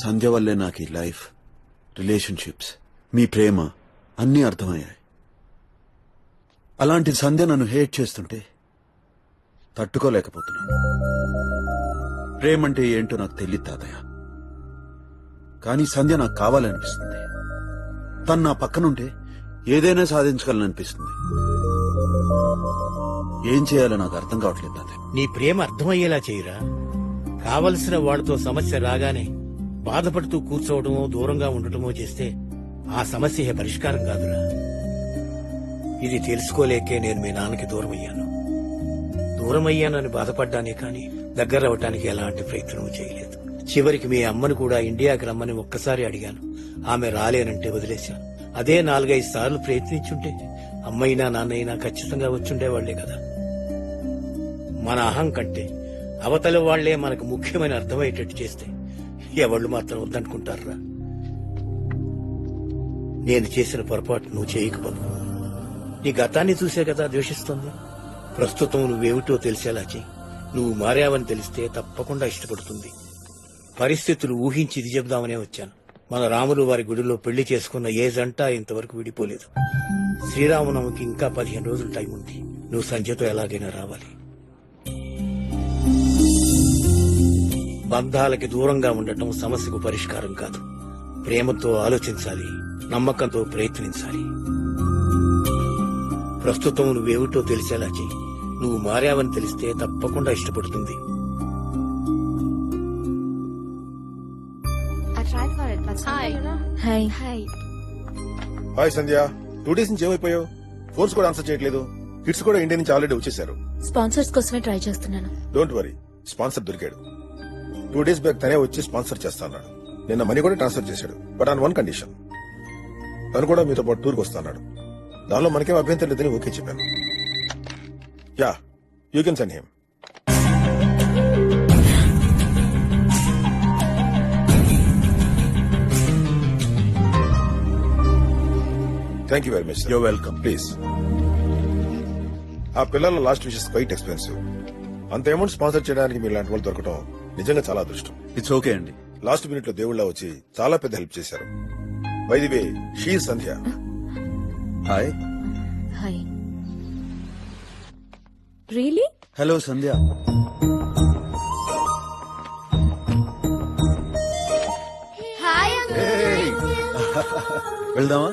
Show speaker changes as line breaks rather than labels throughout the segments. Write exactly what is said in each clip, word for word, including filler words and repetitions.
సంధ్య వల్లే నాకు ఈ లైఫ్, రిలేషన్షిప్స్, మీ ప్రేమ అన్నీ అర్థమయ్యాయి. అలాంటి సంధ్య నన్ను హేట్ చేస్తుంటే తట్టుకోలేకపోతున్నాను. ప్రేమంటే ఏంటో నాకు తెలియదు తాతయ్య, కానీ సంధ్య నాకు కావాలనిపిస్తుంది. తను నా పక్కనుంటే ఏదైనా సాధించగలననిపిస్తుంది. ఏం చేయాలో నాకు అర్థం కావట్లేదు తాతయ్య.
నీ ప్రేమ అర్థమయ్యేలా చేయరా. కావలసిన వాడితో సమస్య రాగానే బాధపడుతూ కూర్చోవడమో దూరంగా ఉండటమో చేస్తే ఆ సమస్య పరిష్కారం కాదురా. ఇది తెలుసుకోలేకే నేను మీ నాన్నకి దూరం అయ్యాను. దూరం అయ్యానని బాధపడ్డానే కాని దగ్గర అవటానికి ఎలాంటి ప్రయత్నం చేయలేదు. చివరికి మీ అమ్మను కూడా ఇండియాకి రమ్మని ఒక్కసారి అడిగాను. ఆమె రాలేనంటే వదిలేశాను. అదే నాలుగైదు సార్లు ప్రయత్నించుంటే అమ్మైనా నాన్నైనా ఖచ్చితంగా వచ్చుండేవాళ్లే కదా. మన అహం కంటే అవతల వాళ్లే మనకు ముఖ్యమైన అర్థమయ్యేటట్టు చేస్తే ఎవళ్ళు మాత్రం వద్దనుకుంటారా. నేను చేసిన పొరపాటు నువ్వు చేయకపోదు. నీ గతాన్ని చూసే కదా ద్వేషిస్తుంది. ప్రస్తుతం నువ్వేమిటో తెలిసేలా చెయ్యి. నువ్వు మారావని తెలిస్తే తప్పకుండా ఇష్టపడుతుంది. పరిస్థితులు ఊహించి ఇది చెబుదామనే వచ్చాను. మన రాములు వారి గుడిలో పెళ్లి చేసుకున్న ఏ జంట ఇంతవరకు విడిపోలేదు. శ్రీరామనవమికి ఇంకా పదిహేను రోజులు టైం ఉంది. నువ్వు సంధ్యతో ఎలాగైనా రావాలి. బంధాలకి దూరంగా ఉండటం సమస్యకు పరిష్కారం కాదు. ప్రేమతో ఆలోచించాలి, నమ్మకంతో ప్రయత్నించాలి. ప్రస్తుతం నువ్వేమిటో తెలిసేలా చెయ్యి. నువ్వు మారావని తెలిస్తే తప్పకుండా ఇష్టపడుతుంది.
Hi
hi Sandhya, two days నుంచి ఏమైపోయావు? ఫోన్స్ కూడా ఆన్సర్ చేయట్లేదు. కిడ్స్ కూడా ఇండియా నుంచి ఆల్రెడీ వచ్చేసారు.
స్పాన్సర్స్ కోసమే ట్రై చేస్తున్నాను.
డోంట్ వరీ, స్పాన్సర్ దొరికాడు. టూ డేస్ బ్యాక్ తనే వచ్చి స్పాన్సర్ చేస్తాడు. నిన్న మనీ కూడా ట్రాన్స్ఫర్ చేశాడు. బట్ ఆన్ వన్ కండిషన్, తను కూడా మీతో పాటు టూర్కి వస్తాడు. దానిలో మనకేం అభ్యంతరం లేదని ఓకే చెప్పాను. Yeah, you can send him. Thank you very much.
You're welcome.
Please. ఆ పిల్లల లాస్ట్ విషెస్ క్వైట్ ఎక్స్పెన్సివ్. అంత అమౌంట్ స్పాన్సర్ చేయడానికి మీరు లాంటి వాళ్ళు దొరకడం నిజంగా చాలా అదృష్టం.
ఇట్స్ ఓకే అండి.
లాస్ట్ మినిట్ లో దేవుళ్ళ వచ్చి చాలా పెద్ద హెల్ప్ చేశారు. By the way, she is Sandhya.
Hi.
Hi. Really?
Hello Sandhya. వెళ్దామా?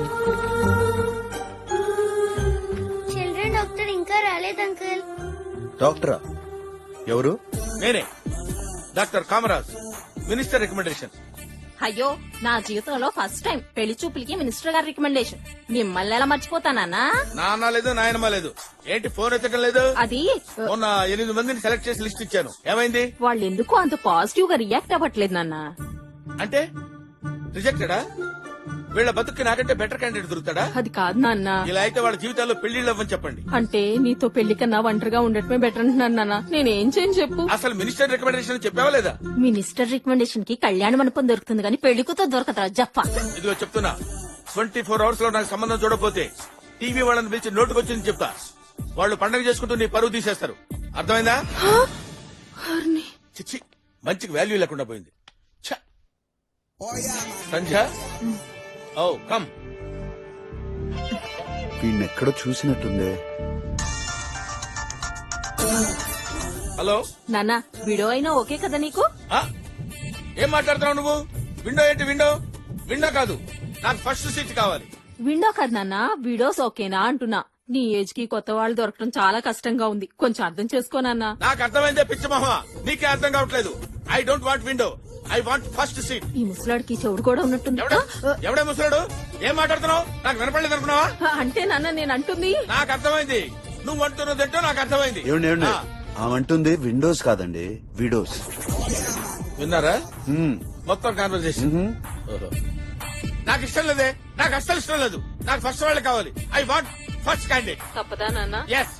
చిల్డ్రన్ డాక్టర్ ఇంకా రాలేదు అంకుల్.
డాక్టరా? ఎవరు?
నేనే, డాక్టర్ కామరాజ్, మినిస్టర్ రికమెండేషన్.
అయ్యో, నా జీవితంలో ఫస్ట్ టైం పెళ్లి చూపులకి మినిస్టర్ గారి రికమెండేషన్. మిమ్మల్ని ఎలా మర్చిపోతానా?
నాన్న లేదు, నాయనమ్మ లేదు. ఏంటి ఫోన్ ఎత్తడం లేదు?
అది
మొన్న ఎనిమిది మందిని సెలెక్ట్ చేసి లిస్ట్ ఇచ్చాను. ఏమైంది?
వాళ్ళు ఎందుకు అంత పాజిటివ్ గా రియాక్ట్ అవ్వట్లేదు నాన్న.
అంటే రిజెక్టెడా? వీళ్ళ బతుక్కి నాకంటే బెటర్ క్యాండిడేట్ దొరుకుతాడా?
అది కాదు నాన్న.
ఇలా అయితే వాళ్ళ జీవితాల్లో పెళ్లిళ్ళు అవ్వని చెప్పండి.
అంటే నీతో పెళ్లి కన్నా ఒంటరిగా ఉండటమే బెటర్ అంటున్నాను నాన్న. నేనేం చేయను చెప్పు.
అసలు మినిస్టర్ రికమెండేషన్ చెప్పావా లేదా?
మినిస్టర్ రికమెండేషన్ కి కళ్యాణ మండపం దొరుకుతుంది కానీ పెళ్లి కూతురు దొరకదా జప్ప.
ఇదిగో చెప్తున్నా, ట్వంటీ ఫోర్ అవర్స్ లో నాకు సంబంధం చూడకపోతే టీవీ వాళ్ళని పిలిచి నోటుకొచ్చింది చెప్తా. వాళ్ళు పండగ చేసుకుంటూ నీ పరువు తీసేస్తారు. అర్థమైందా? చిచ్చి, మంచికి వాల్యూ లేకుండా పోయింది. Sandhya, oh come.
వీణెక్కడో చూసినట్టుందే.
హలో
నాన్న, వీడియో అయినా ఓకే కదా నీకు?
ఆ? ఏం మాట్లాడుతున్నావు నువ్వు? విండో ఏంటి విండో? విండో కాదు, నాకు ఫస్ట్ సీట్ కావాలి.
విండో కదా నాన్న, వీడియోస్ ఓకేనా అంటున్నా. నీ ఏజ్ కి కొత్త వాళ్ళు దొరకడం చాలా కష్టంగా ఉంది. కొంచెం అర్థం చేసుకోనన్నా.
నాకు అర్థమైందే పిచ్చమోహ, నీకే అర్థం కావట్లేదు. I don't want window, I want first seat.
ఈ ముసలాడికి చెవుడు కూడా ఉన్నట్టుంది.
ఎవడే ముసలాడు? ఏం మాట్లాడుతున్నావు? నాకు వినపడలేదు అనుకున్నావా?
అంటే నాన్న నేను అంటుంది.
నాకు అర్థమైంది, నువ్వు అంటున్నదేంటో నాకు అర్థమైంది.
ఏమండి ఏమండి, ఆమంటుంది విండోస్ కాదండి, విడోస్.
విన్నారా మొత్తం కాన్వర్సేషన్? నాకు ఇష్టం లేదే, నాకు అస్సలు ఇష్టం లేదు. నాకు ఫస్ట్ వాళ్ళే కావాలి. I want first candidate.
తప్పదా నాన్న?
ఎస్.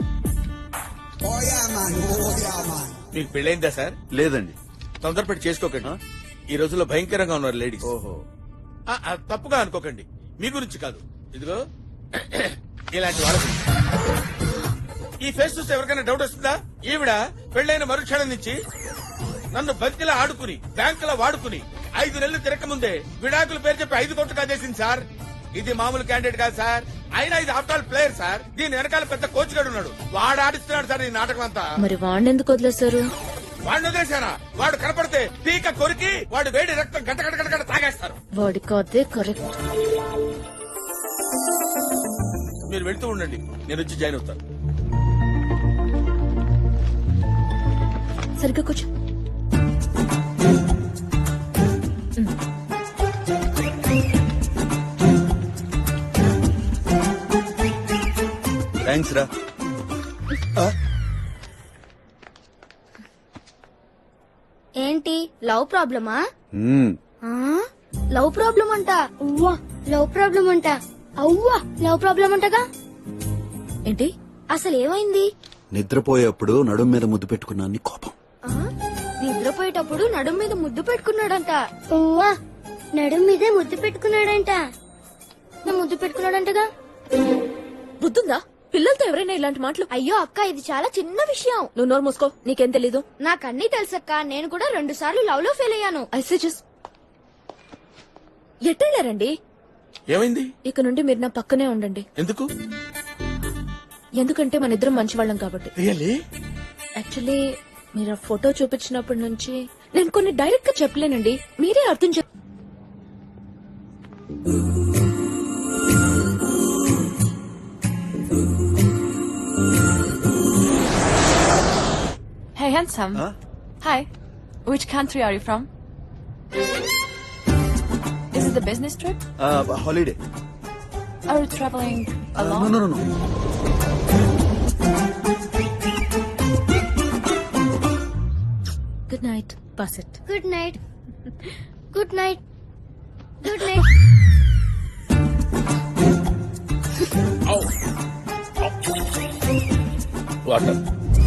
మీకు పెళ్ళైందా సార్?
లేదండి.
తొందరపడి చేసుకోకండి. ఈ రోజుల్లో భయంకరంగా ఉన్నారు లేడీస్.
ఓహో,
తప్పుగా అనుకోకండి, మీ గురించి కాదు. ఇదిగో ఇలాంటి వాళ్ళ గురించి. ఈ ఫేస్ చూస్తే ఎవరికైనా డౌట్ వస్తుందా? ఈవిడ పెళ్లైన మరుక్షణం నుంచి నన్ను బంతిలా ఆడుకుని బ్యాంకులా వాడుకుని ఐదు నెలలు తిరక్క ముందే విడాకుల పేరు చెప్పి ఐదు కోట్లు కాజేసింది సార్. ఇది మామూలు క్యాండిడేట్ కాదు సార్, అయినా ఇది ఆఫ్టర్ ఆల్ ప్లేయర్ సార్. దీని వెనకాల పెద్ద కోచ్ గడు ఉన్నాడు, వాడు ఆడిస్తున్నాడు సార్ ఈ నాటకం అంతా.
మరి వాడిని ఎందుకు వదిలేశారు?
వాడిని వదిలేశారా? వాడు కనపడితే పీక కొరికి వాడు వేడి రక్తం గంట గంట గంట గంట తాగేస్తారు.
వాడికి అదే కరెక్ట్.
మీరు వెళ్తూ ఉండండి, నేను వచ్చి జాయిన్ అవుతాను.
సరిగ్గా కూర్చో.
థ్యాంక్స్ రా.
ఏంటి లవ్ ప్రాబ్లమా?
మ్మ్.
లవ్ ప్రాబ్లం అంట. ఉవ్వా లవ్ ప్రాబ్లం అంట. అవ్వా లవ్ ప్రాబ్లం అంటగా.
ఏంటి?
అసలు ఏమైంది?
నిద్రపోయేప్పుడు నడుం మీద ముద్దు పెట్టుకున్నాను కోపం.
ఆ? నిద్రపోయేటప్పుడు నడుం మీద ముద్దు పెట్టుకున్నాడంట. ఉవ్వా నడుం మీదే ముద్దు పెట్టుకున్నాడంట. నా ముద్దు పెట్టుకున్నాడంటగా.
బుద్ధుందా? పిల్లలతో ఎవరైనా ఇలాంటి మాటలు?
అయ్యో అక్క, ఇది చాలా చిన్న విషయం.
నువ్వు నోరు మూసుకో, నీకేం తెలీదు.
నాకన్నీ తెలుసక్క, నేను కూడా రెండు సార్లు లవ్ లో ఫెయిల్ అయ్యాను.
ఐసే జస్ట్ ఎట్టెళ్ళారండి?
ఏమైంది?
ఇక నుండి మీరు నా పక్కనే ఉండండి.
ఎందుకు?
ఎందుకంటే మన ఇద్దరం మంచివాళ్ళం కాబట్టి.
రియల్లీ?
యాక్చువల్లీ మీరు ఆ ఫోటో చూపించినప్పటి నుంచి నేను కొన్ని డైరెక్ట్ గా చెప్పలేనండి, మీరే అర్థం చెప్.
Hey, handsome.
Huh?
Hi. Which country are you from? Is it the business trip?
Holiday.
Are you traveling alone?
No no no.
Good night. Pass it.
Good night. Good night. Good night.
Water.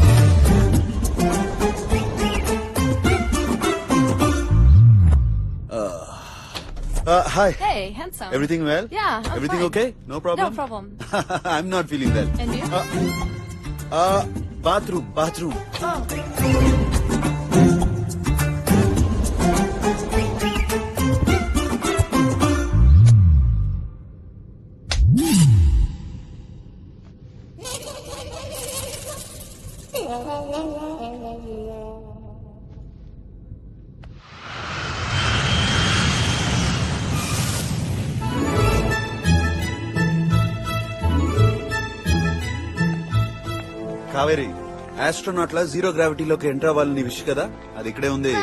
Hi.
Hey, handsome.
Everything well?
Yeah, I'm
everything
fine.
Okay? No problem.
No problem.
I'm not feeling well.
And you?
Bathroom bathroom. Kaveri, astronaut లా zero గ్రావిటీలోకి enter అవ్వాలని wish కదా, అది ఇక్కడే ఉంది.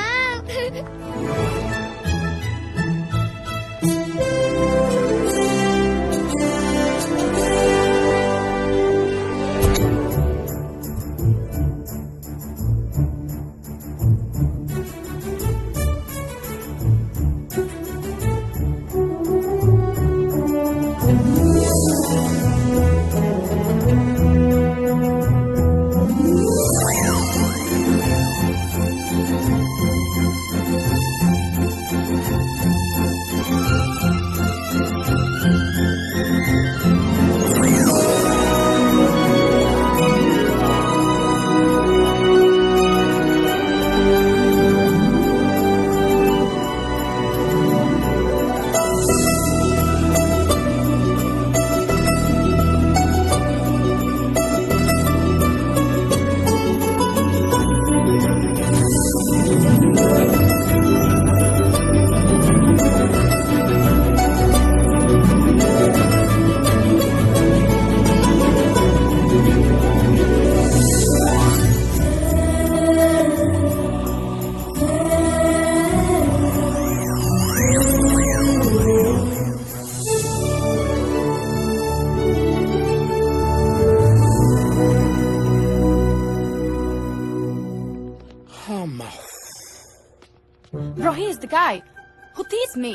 Bro, he is the guy who teased me.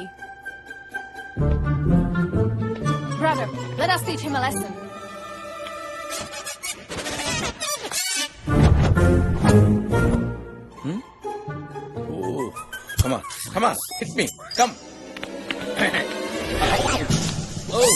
Brother, let us teach him a lesson.
Oh, come on, come on, hit me, come. Oh.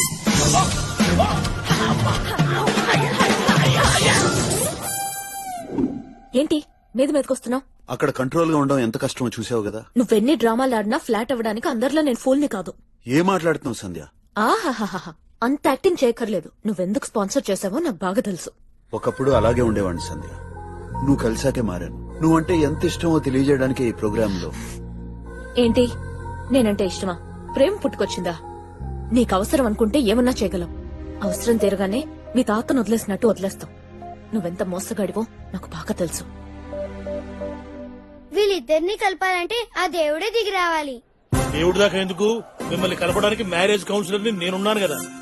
ఏంటి మీద మీదకొస్తున్నావు?
అక్కడ కంట్రోల్ గా ఉండడం ఎంత కష్టమో చూసావు కదా.
నువ్వెన్ని డ్రామాలు ఆడినా ఫ్లాట్ అవ్వడానికి అందరిలో నేను ఫోల్ని కాదు.
ఏ మాట్లాడుతున్నావు సంధ్య?
ఆహాహాహా అంత యాక్టింగ్ చేయక్కర్లేదు. నువ్వెందుకు స్పాన్సర్ చేసావో నాకు బాగా తెలుసు.
ఒకప్పుడు అలాగే ఉండేవాడిని సంధ్య. నువ్వు కలిసాకే మారాను. నువ్వంటే ఎంత ఇష్టమో తెలియజేయడానికి ఈ ప్రోగ్రామ్ లో.
ఏంటి నేనంటే ఇష్టమా? ప్రేమ పుట్టుకొచ్చిందా? నీకు అవసరం అనుకుంటే ఏమన్నా చేయగలం. అవసరం తీరగానే మీ తాతను వదిలేసినట్టు వదిలేస్తాం. నువ్వెంత మోసగాడివో నాకు బాగా తెలుసు.
వీళ్ళిద్దరిని కలపాలంటే ఆ దేవుడే దిగి రావాలి.
దేవుడి దాకా ఎందుకు, మిమ్మల్ని కలపడానికి మ్యారేజ్ కౌన్సిలర్ ని నేనున్నాను కదా.